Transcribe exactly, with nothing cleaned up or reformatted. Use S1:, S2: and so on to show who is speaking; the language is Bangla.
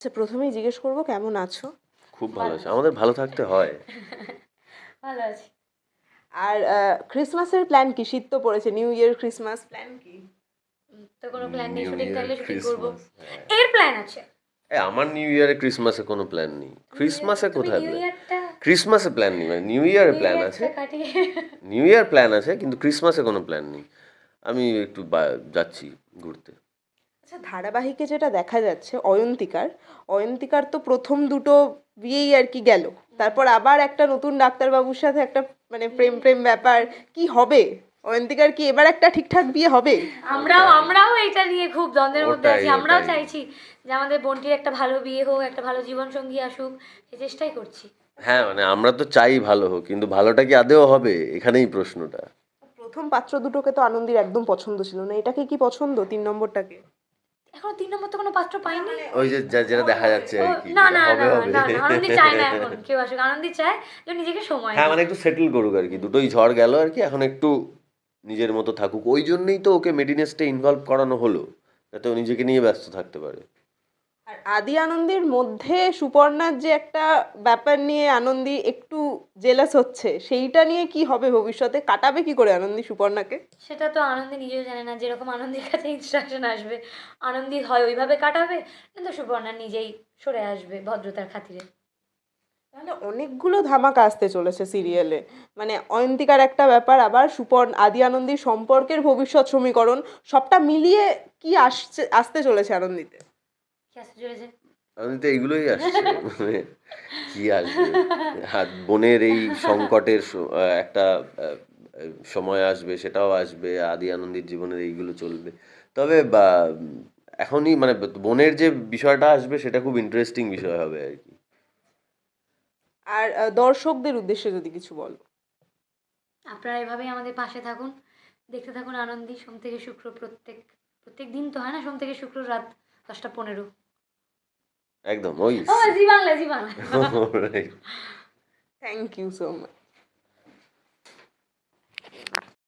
S1: আচ্ছা, প্রথমেই জিজ্ঞেস করবো কেমন আছো?
S2: খুব ভালো আছে, আমাদের ভালো থাকতে হয়।
S3: ভালো আছি।
S1: আর ক্রিসমাসের প্ল্যান কি? শীত তো পড়েছে, নিউ ইয়ার ক্রিসমাস প্ল্যান কি?
S3: উম, তো কোনো প্ল্যান নেই,
S2: নিউ
S3: শুটিং
S2: ইয়ার
S3: থাকলে শুটিং করবো।
S2: ক্রিসমাস, হ্যাঁ।
S3: এর প্ল্যান আছে।
S2: এ আমার নিউ ইয়ারে ক্রিসমাসে কোনো প্ল্যান নেই। ক্রিসমাসে
S3: তুমি
S2: কোথায়
S3: নিউ
S2: প্ল্যান?
S3: ইয়ারটা
S2: ক্রিসমাসে প্ল্যান নেই, মানে নিউ ইয়ারে
S3: নিউ
S2: প্ল্যান আছে।
S3: ইয়ারটা কাটিয়ে
S2: নিউ ইয়ার প্ল্যান আছে, কিন্তু ক্রিসমাসে কোনো প্ল্যান নেই। আমি একটু বা- যাচ্ছি ঘুরতে।
S1: আচ্ছা, ধারাবাহিকে যেটা দেখা যাচ্ছে অয়ন্তিকার অয়ন্তিকার তো প্রথম দুটো বিয়েই আর কি গেল, তারপর আবার একটা নতুন ডাক্তারবাবুর সাথে একটা মানে প্রেম প্রেম ব্যাপার কি হবে? অয়ন্তিকার কি এবার একটা ঠিকঠাক বিয়ে হবে?
S3: আমরাও
S2: ওটাই।
S3: আমরাও এটা নিয়ে খুব দ্বন্দ্বের মধ্যে
S2: ওটাই,
S3: আছি। আমরাও
S2: ওটাই।
S3: চাইছি যে আমাদের বোনটির একটা ভালো বিয়ে হোক, একটা ভালো জীবন সঙ্গী আসুক, সে চেষ্টাই করছি।
S2: হ্যাঁ, মানে আমরা তো চাই ভালো হোক, কিন্তু ভালোটা কি আদেও হবে, এখানেই প্রশ্নটা।
S1: প্রথম পাত্র দুটোকে তো আনন্দির একদম পছন্দ ছিল না, এটাকে কি পছন্দ তিন নম্বরটাকে?
S3: এখনো তিন নম্বর তো কোনো পাত্র পাইনি।
S2: ওই যে যা- যেটা দেখা যাচ্ছে
S3: ও,
S2: আর কি,
S3: না
S2: যেটা
S3: না
S2: হবে
S3: না
S2: হবে।
S3: না না, আনন্দি চায় না এখন কেউ আসুক। আনন্দি চায় যে নিজেকে সময়
S2: হ্যাঁ,
S3: দিক।
S2: মানে একটু সেটেল করুক আর কি, দুটোই ঝড় গেল আর কি, এখন একটু নিজের মতো থাকুক। ওই জন্যই তো ওকে মেডিনেসটা ইনভলভ করানো হলো, যাতে ও নিজেকে নিয়ে ব্যস্ত থাকতে পারে।
S1: আর আদি আনন্দের মধ্যে সুপর্ণার যে একটা ব্যাপার নিয়ে আনন্দি একটু জেলাস হচ্ছে, সেইটা নিয়ে কি হবে ভবিষ্যতে? কাটাবে কি করে আনন্দি সুপর্ণাকে?
S3: সেটা তো আনন্দি নিজেও জানে না। যেরকম আনন্দির কাছে ইনস্ট্রাকশন আসবে, আনন্দি হয় ওইভাবে কাটাবে, কিন্তু সুবর্ণা নিজেই সরে আসবে ভদ্রতার খাতিরে।
S1: তাহলে অনেকগুলো ধামাকা আসতে চলেছে সিরিয়ালে, মানে অয়ন্তিকার একটা ব্যাপার, আবার সুপর্ণ আদি আনন্দির সম্পর্কের ভবিষ্যৎ সমীকরণ, সবটা মিলিয়ে কি আসছে আসতে চলেছে আনন্দিতে?
S3: কি আসতে চলেছে?
S2: আমি তো এইগুলোই আসছে, মানে কি আসবে। হাত বোনের এই সংকটের স- আহ, একটা আহ, সময় আসবে, সেটাও আসবে। আদি আনন্দের জীবনের এইগুলো চলবে। তবে বা এখনই মানে বোনের যে বিষয়টা আসবে, সেটা খুব ইন্টারেস্টিং বিষয় হবে আর কি।
S1: আর আহ, দর্শকদের উদ্দেশ্যে যদি কিছু বলো।
S3: আপনারা এভাবেই আমাদের পাশে থাকুন, দেখতে থাকুন আনন্দি। সোম থেকে শুক্র, প্রত্যেক প্রত্যেক দিন তো হয় না, সোম থেকে শুক্র রাত দশটা পনেরো।
S2: একদম ওই।
S3: ও, Zee Bangla, Zee Bangla.
S1: Thank you so much.